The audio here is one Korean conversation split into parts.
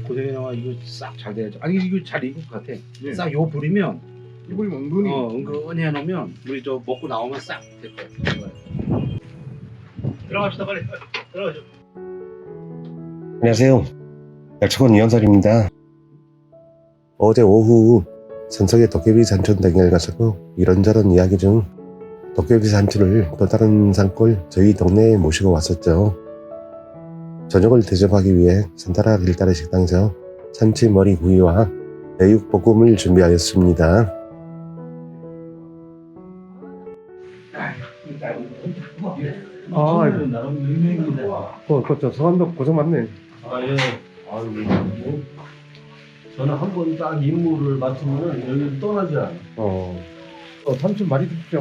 고생이나와 이거 싹 잘 돼야죠. 아니 이거 잘 익을 것 같아. 네. 싹 요 불이면 이걸 은근히 은근히 해놓으면 우리 저 먹고 나오면 싹 될 거야. 들어갑시다 빨리. 들어가죠. 안녕하세요. 약초원 이현설입니다. 어제 오후 전석의 도깨비 산촌 등에 가서고 이런저런 이야기 중 도깨비 산촌을 또 다른 산골 저희 동네에 모시고 왔었죠. 저녁을 대접하기 위해 산타라 길다리 식당에서 참치 머리 구이와 애육볶음을 준비하였습니다. 나름 유명입니다. 그렇죠. 서한도 고생 많네. 아 예. 아이고 뭐 저는 한 번 딱 임무를 맡으면은 여기 떠나지 않아요. 삼촌 많이 드십시오.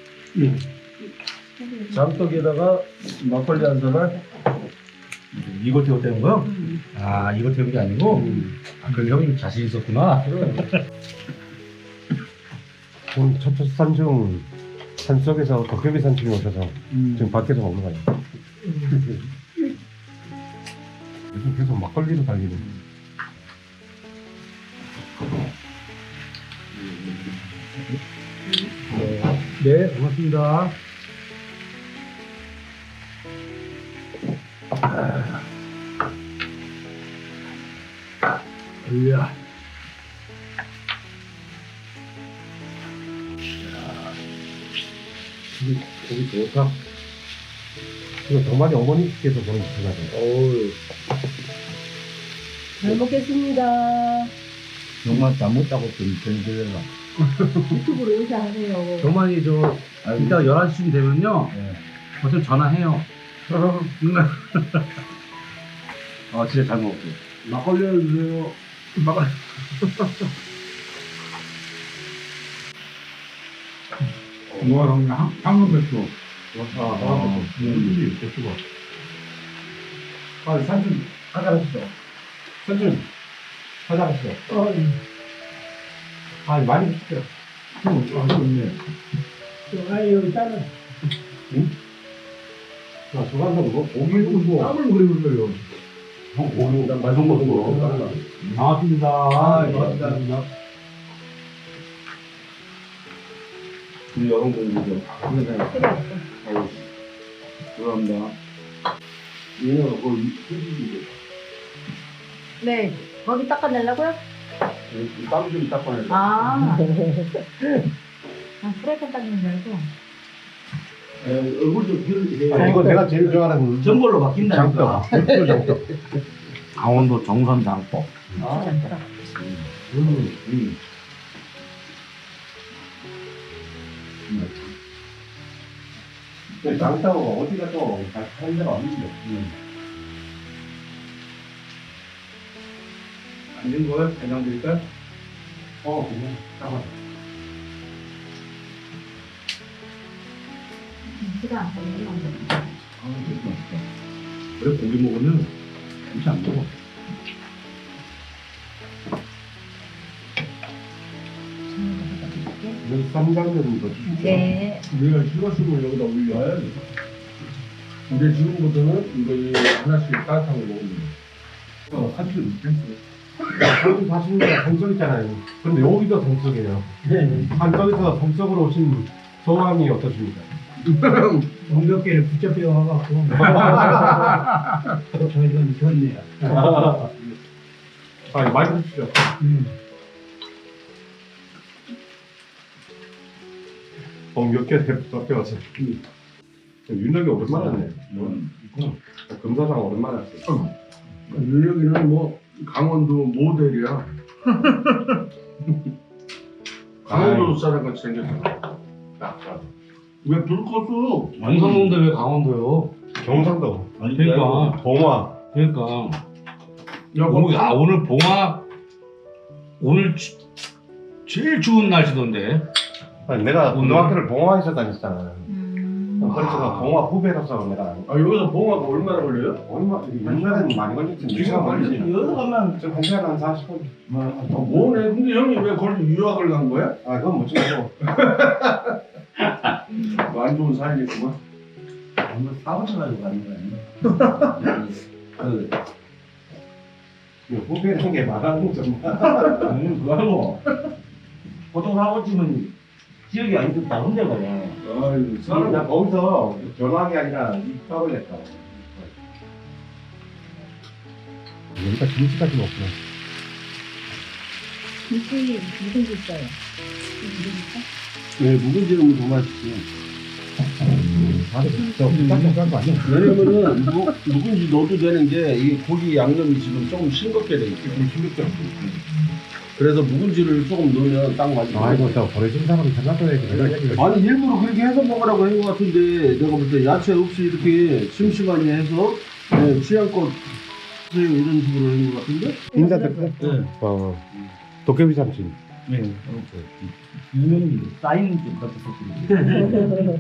장떡에다가 막걸리 한 잔을. 이거 태웠다는 거요? 아 이거 태운 게 아니고? 아 그럼 형님 자신 있었구나. 오늘 첫 산중 산속에서 도깨비 산중에 오셔서 지금 밖에서 먹는 거예요. 요즘 계속 막걸리로 달리는. 네, 고맙습니다. 이야. 고기 좋다. 이거 정말 어머니께서 보내주셔가지고. 어우. 잘 먹겠습니다. 정말 잘못하고 좀 들려라. 유튜브로 인사하세요. 정만이 저 이따 11시쯤 되면요. 어차피 전화해요. 아 진짜 잘 먹었어요. 막걸리 해주세요. 막걸리. 뭐가 그냥 황금 배추. 배추가. 아, 산준 하자하시죠. 산준 하자하시죠. 아, 많이 드실게요. 좋네. 아유, 짜는. 자, 저간다고 뭐 고기를 뭐 땀을 그래 흘려요. 고기 난 말도 먹고. 반갑습니다. 아, 고맙습니다. 우리 여성 공부죠. 아유, 죄송합니다. 얘네가 거의 휴지인데. 네, 거기 닦아내려고요? 땀좀 닦아내려. 아. 프라이팬 닦는 줄 알고. 얼굴 좀 기울이세요. 이거 내가 제일 좋아하는 전골로 바뀐다니까. 장떡. 강원도 정선 장법. 아, 괜찮더라. 장떡 어디 가서 하는 데가 없는데. 안 된 거예요? 대장 드릴까요? 그냥 잠깐. 시간 안 걸리는 거. 아 되게 맛있다. 그래 고기 먹으면 진짜 안 먹어. 여기 쌈장면 더 주십시오. 네. 우리가 실어주고 여기다 올려야 돼. 이제 지금부터는 이거 이 하나씩 따뜻한 거 먹으면 돼. 한줄 못했어. 한국 사시는 데가 성적이잖아요. 근데 여기도 성적이에요. 한적에서 성적으로 오신 소감이 어떠십니까? 몇 개를 붙잡혀 와갖고. 저희가 좋네요. 많이 드시죠. 몇개 붙잡혀왔어요. 윤혁이 오랜만에 하네. 금사장 오랜만에 왔어요. 윤혁이는 뭐 강원도 모델이야. 강원도 사람 같이 생겼어. 왜불 껐어? 완성인데 왜 강원도요? 경상도, 그러니까 봉화. 그러니까 야, 오늘 봉화 오늘 제일 추운 날씨던데. 아니, 내가 고등학교를 봉화에서 다녔잖아. 그래서 봉화 후배로서 내가 아, 여기서 봉화가 얼마나 걸려요? 얼마 옛날에는 많이 걸렸지. 지금 걸리지. 여기서 가면 지금 1시간 한 40분. 뭐네? 근데 형이 왜 거기 유학을 간 거야? 그건 못 찍고. 안 좋은 사이겠구만. 오늘 사무실 가지고 가는 거 아니에요? 후배라는 게 말하는 정말. 그거하고 보통 사고치면 지역이 아니고 다른 데 가요. 아유, 사람 나 거기서 전화한 게 아니라 입학을 했다. 여기가 김치까지 없구나. 김치 무슨 게 있어요? 네, 묵은지는 더 맛있지. 깜짝깜짝 거 아니야? 왜냐면은 묵은지 넣어도 되는 게 이 고기 양념이 지금 조금 싱겁게 돼 있어. 싱겁더라고. 그래서 묵은지를 조금 넣으면 딱 맛있어. 아이고, 저 버려진 사람은 장난쳐야지. 내가 얘기를. 아니 일부러 그렇게 해서 먹으라고 한 것 같은데 내가 볼 때 야채 없이 이렇게 심심하게 해서 네, 취향껏 드세요 이런 식으로 한 것 같은데? 인사들. 네. 도깨비 삼촌. 네. 유명히 쌓인 좀 같은 소리.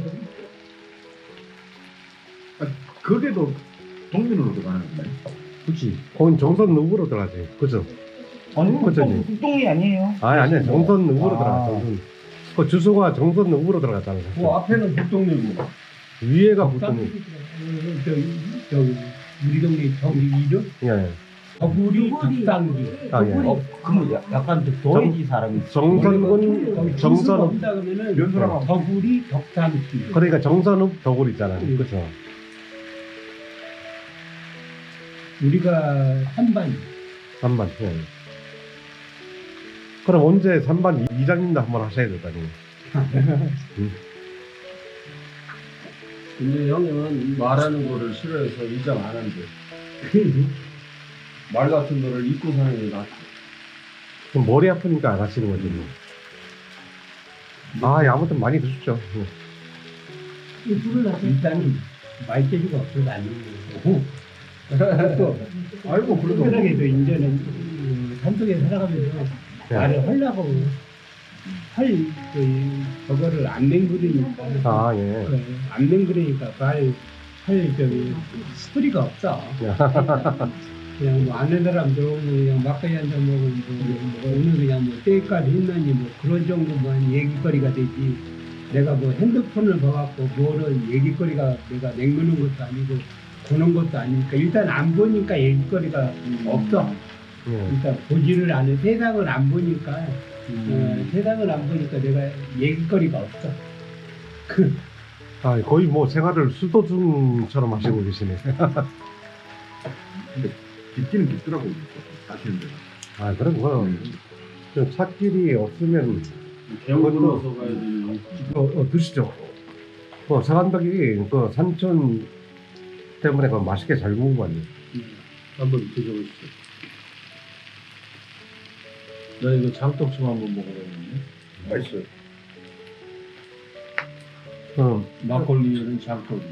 그게도 동민으로 들어가는 거네. 그렇지. 거긴 정선 누구로 들어가지. 그죠? 아니, 그쵸, 국동이 아니에요. 아니야. 정선 누구로 아. 들어가. 정선. 그 주소가 정선 누구로 들어갔다는 그 거. 앞에는 북동리고 위에가 보통. 저기 우리 동네 저기 이름 예. 더구리 더구리. 덕당기. 아, 예. 그러면 약간 좀 도해지 사람이. 정선군 정선읍. 없다 그러면은 연수라고. 더구리 덕당기. 그러니까 정선읍 더굴 있잖아요. 음. 그죠? 우리가 3반 3반. 예. 그럼 언제 3반 이장님도 한번 하셔야 되다니. 근데 형님은 말하는 거를 싫어해서 이장 안 한대. 말 같은 거를 잊고 사는 게 낫지. 그럼 머리 아프니까 안 하시는 거죠. 뭐. 아, 아무튼 많이 드십시오. 예. 이 불을 놔서 일단은 말재주가 없어서 안 되는 거고 또 아이고 그래도 특별하게도 이제는 산속에 살아가면서 말을 하려고 저거를 안 맹그리니까 아, 예. 안 맹그리니까 할 저기 스토리가 없어. 그냥 뭐 아는 사람 들어오면 그냥 막걸리 한잔 먹으면 뭐 오늘 그냥 뭐 때까지 했나니 뭐 그런 정도만 얘기거리가 되지. 내가 뭐 핸드폰을 봐갖고 뭐를 얘기거리가 내가 맹그는 것도 아니고 보는 것도 아니니까 일단 안 보니까 얘기거리가 없어. 예. 일단 보지를 않은 세상을 안 보니까 세상을 안 보니까 내가 얘기거리가 없어. 아, 거의 뭐 생활을 수도중처럼 하시고 계시네. 깊기는 깊더라고 사실은. 아, 그럼 뭐, 좀 찻길이 없으면, 대형 그것도- 건너서 가야 되는. 드시죠. 사간덕이 그 산천 때문에 그 맛있게 잘 구운 거 아니에요? 한번 드셔보시죠. 나 이거 장떡 좀 한번 먹어봤는데 맛있어요. 막걸리에는 장떡이지.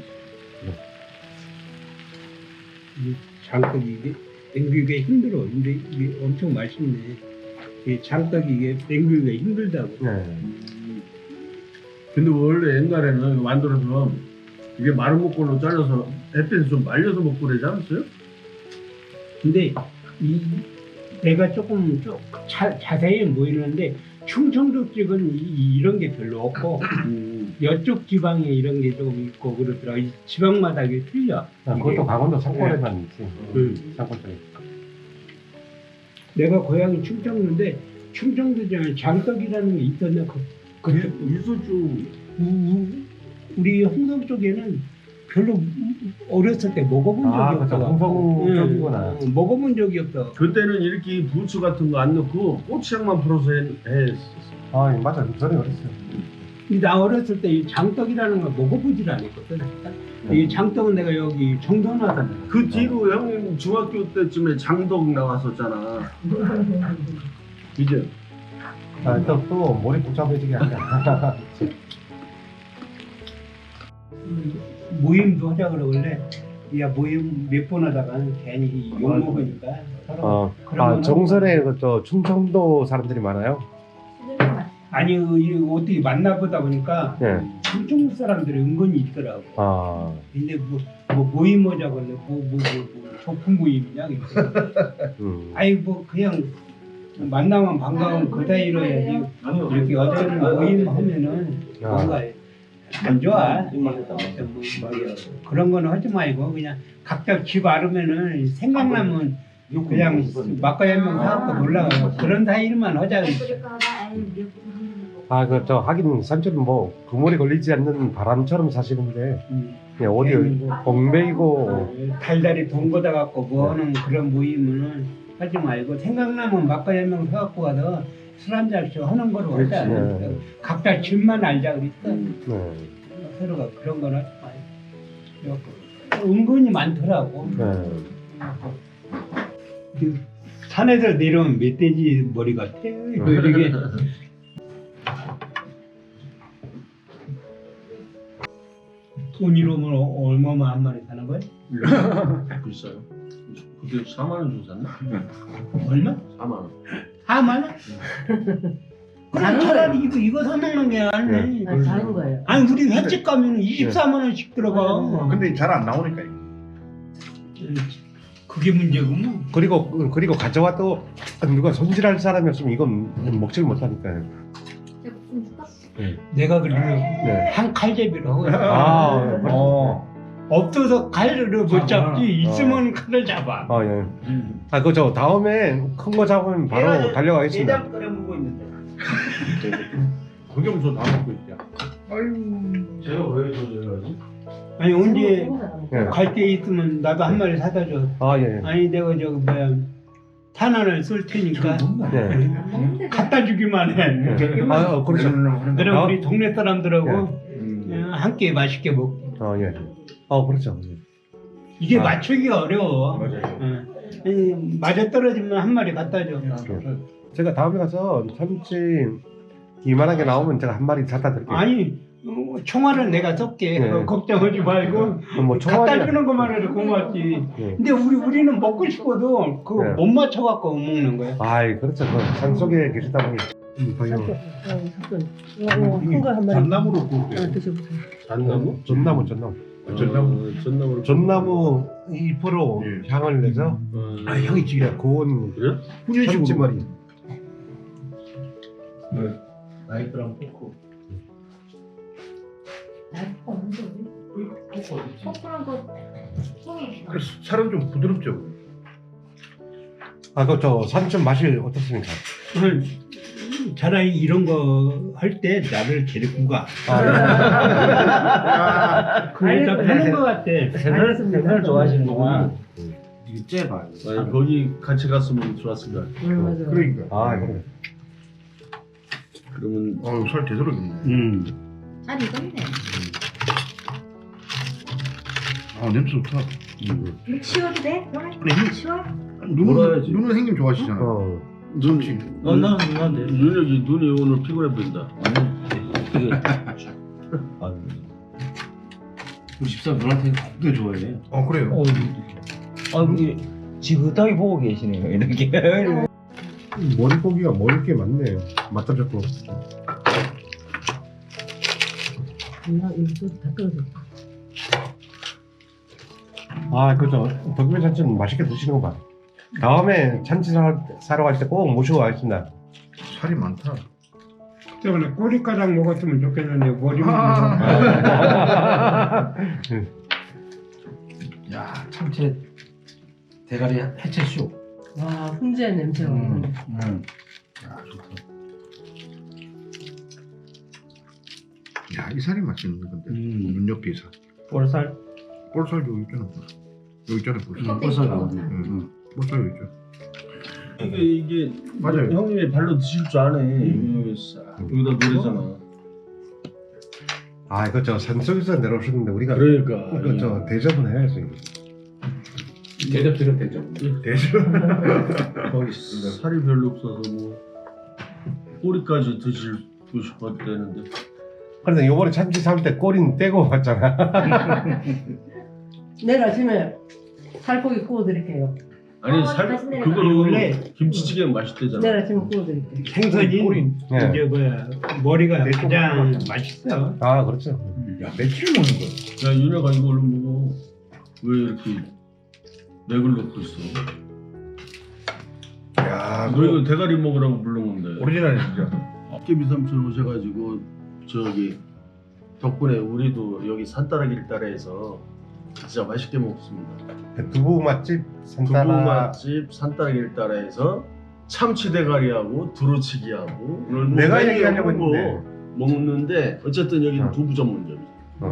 장떡이 이게 땡기기가 힘들어. 근데 이게 엄청 맛있네. 이 장떡이 이게 땡기기가 힘들다고. 네. 근데 원래 옛날에는 이거 만들어서 이게 마른 목걸로 잘라서 햇빛에 좀 말려서 먹고 그러지 않았어요? 근데 내가 조금 자세히 모이는데 충청도 쪽은 이런 게 별로 없고 이쪽 지방에 이런 게 조금 있고 그러더라. 이 지방마다 이게 틀려. 아, 그것도 강원도 상권에만 있지. 상권 쪽에. 내가 고향이 충청도인데 충청도 중에 장떡이라는 게 있었나? 있었죠. 우리 홍성 쪽에는 별로 어렸을 때 먹어본 적이 아, 그쵸. 없어. 홍성 쪽이구나. 먹어본 적이 없어. 그때는 이렇게 부추 같은 거 안 넣고 고추장만 풀어서 했었어. 아, 맞아. 전에 그랬어요. 나 어렸을 때 이 장떡이라는 걸 먹어보질 않았거든. 이 장떡은 내가 여기 정선하다. 그 뒤로 형님 중학교 때쯤에 장덕 나왔었잖아. 이제 아, 또 머리 복잡해지게 하니까. 모임도 하자 그러고 원래 야 모임 몇 번 하다가 괜히 욕 먹으니까 서로 그러면은- 정선에 저 충청도 사람들이 많아요? 아니 이거 어떻게 만나보다 보니까 예. 충청도 사람들이 은근히 있더라고. 아, 근데 뭐 모임 하자 그래 뭐 소풍 모임이냐 아이 뭐 그냥 만나면 반가운 그 사이로 해야지 이렇게 어떤 모임 하면은 뭔가 안 좋아. 뭐 그런 거는 하지 말고 그냥 각자 집 알으면은 생각나면 그냥 막걸리 한 명 사갖고 놀러 가고 그런 사이만 하자. 아, 그 저 하긴 산초는 뭐 그물에 걸리지 않는 바람처럼 사시는데 그냥 어디 엉매이고 달달이 돈 걷어 갖고 뭐하는 그런 모임은 하지 말고 생각나면 막걸리 한 명 사갖고 가서 술 한 잔씩 하는 거로 하자. 네. 각자 집만 알자 그랬어. 네. 서로가 그런 건 하지 말고. 은근히 많더라고. 네. 그 산에서 내려온 멧돼지 머리 같아. 이렇게. 돈이로면 얼마만 한 마리 사는 거야? 비싸요. 그때 4만 원 주고 샀나? 얼마? 4만 원. 4만 원? 그럼 차라리 이거 사 먹는 게 낫네. 다른 거예요. 아니 우리 횟집 가면 24만 원씩 들어가. 근데 잘 안 나오니까 이거. 그게 문제구만. 그리고 가져와도 누가 손질할 사람이 없으면 이건 먹질 못하니까요. 내가 그래도 네. 한 칼제비를 하고 있어. 아, 없어서 칼을 못 잡아. 잡지 있으면 칼을 잡아. 아 예. 아 그저 다음에 큰 거 잡으면 바로 달려가겠습니다. 내장 끓여 먹고 있는데. 그게 무슨 다 먹고 있냐. 아유. 제가 왜 조절하지? 아니 언제 예. 갈 때 있으면 나도 한 마리 사다 줘. 아 예. 아니 내가 저기 뭐야 탄환을 쏠 테니까 네. 갖다 주기만 해. 아 그렇죠. 그럼 아. 우리 동네 사람들하고 함께 맛있게 먹고. 아 예. 아 그렇죠. 예. 이게 맞추기가 어려워. 맞아요. 맞아 떨어지면 한 마리 갖다 줘. 제가 다음에 가서 참치 이만하게 나오면 제가 한 마리 사다 드릴게요. 아니 총알을 내가 쏠게. 네. 그거 걱정하지 말고 뭐 갖다 총알이 주는 것만 해도 고맙지. 네. 근데 우리는 먹고 싶어도 그거 네. 못 맞춰 갖고 먹는 거야. 아이 그렇죠. 그 산속에 계시다 보니 큰거 한 마리. 전나무로 구울게요. 드셔보세요. 잣나무? 전나무 전나무. 전나무 잎으로 예. 향을 내서 아, 향이 지기라 고운 그래? 참치머리. 나이프랑 포크. 포크랑 거 그래서 살은 좀 부드럽죠. 아 그 저 산천 맛이 어떻습니까? 차라리 이런 거 할 때 나를 데리고 가. 그러니까 편한 거 같아. 알겠습니다. 좋아하시는구나. 이게 째봐. 아니, 거기 같이 갔으면 좋았을 거야. 맞아요. 그러니까. 아 그래. 그러면 살 제대로 익네. 잘 익었네. 아 냄새 좋다. 이거 치워도 돼? 그러면 그래. 치워? 몰아야지. 눈은 형님 좋아하시잖아. 눈, 난 눈이 오늘 피곤해 보인다. 우리 집사람 누나한테 되게 좋아해. 그래요. 이게 지긋하게 보고 계시네요. 이렇게. 머리고기가 먹을 게 많네. 맛도 좋고. 이거 다 떨어졌다. 아 그죠. 덕분에 참치는 맛있게 드시는 거 봐. 다음에 참치 사러 갈 때 꼭 모시고 가겠습니다. 살이 많다. 저번에 꼬리가락 먹었으면 좋겠는데 머리만. 야 참치 대가리 해체쇼. 와, 훈제의 냄새가. 야 좋다. 야이 살이 맛있는데 근데 눈 옆에 살. 볼살. 볼살 여기 있잖아. 여기 있잖아 볼살. 벌써 볼살 여기 있죠. 이게 맞아요. 형님이 발로 드실 줄 아네. 여기다 노래잖아. 아 이거 저 산속에서 내려오셨는데 우리가 그러니까. 이거 저 대접은 해야지. 대접 드려 대접. 거기 살이 별로 없어서 뭐 꼬리까지 드시고 싶었다는데. 그런데 요번에 참치 살 때 꼬리는 떼고 왔잖아. 내일 아침에 살코기 구워드릴게요. 아니 살 맛있네. 그걸로 원래 김치찌개 맛있대잖아. 내일 아침에 구워드릴게요. 생선이 네. 이제 뭐야 머리가 가장 맛있어. 아 그렇죠. 야 며칠 먹는 거야? 야 윤혁아 이거 얼른 먹어. 왜 이렇게 맥을 넣고 있어? 야 너 이거 대가리 먹으라고 부른 건데. 오리지널 진짜. 깨비 삼촌 오셔가지고 저기 덕분에 우리도 여기 산따라길 따라해서 진짜 맛있게 먹습니다. 두부 맛집 두부 산따라 맛집 산딸기를 따라해서 참치 대가리하고 두루치기하고 이런 내가 메뉴 얘기하려고 없는 거 했는데. 먹는데 어쨌든 여기는 어. 두부 전문점이죠.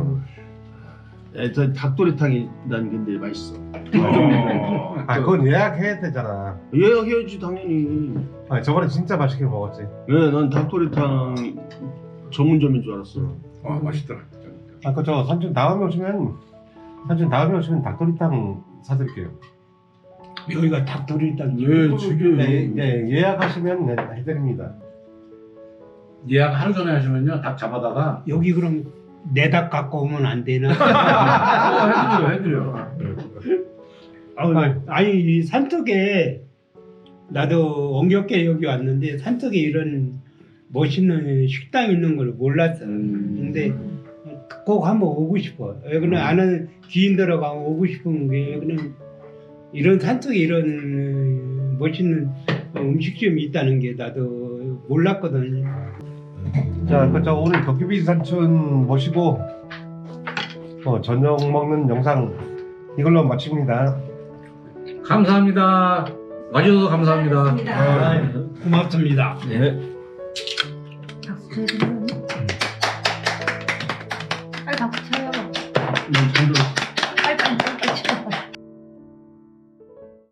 저 닭도리탕이 난 근데 맛있어. 아 그건 예약해야 되잖아. 예약해야지 당연히. 아 저번에 진짜 맛있게 먹었지. 네, 난 닭도리탕 전문점인 줄 알았어. 와 맛있더라. 아 그저 삼촌 다음에 오시면 닭도리탕 사드릴게요. 여기가 닭도리탕. 예, 지금 예약하시면 해드립니다. 예약 하루 전에 하시면요 닭 잡아다가 여기 그럼 내 닭 갖고 오면 안 되나? 해드려요. 아니 이 산속에 나도 엉겹게 여기 왔는데 산속에 이런 멋있는 식당 있는 걸 몰랐어. 근데 꼭 한번 오고 싶어. 여기는 아는 지인들하고 오고 싶은 게 여기는 이런 산속에 이런 멋있는 음식점이 있다는 게 나도 몰랐거든. 자, 그저 오늘 도깨비 삼촌 모시고 저녁 먹는 영상 이걸로 마칩니다. 감사합니다. 와주셔서 감사합니다. 고맙습니다. 네. 박수 쳐야 되나? 빨리 박수 쳐요. 난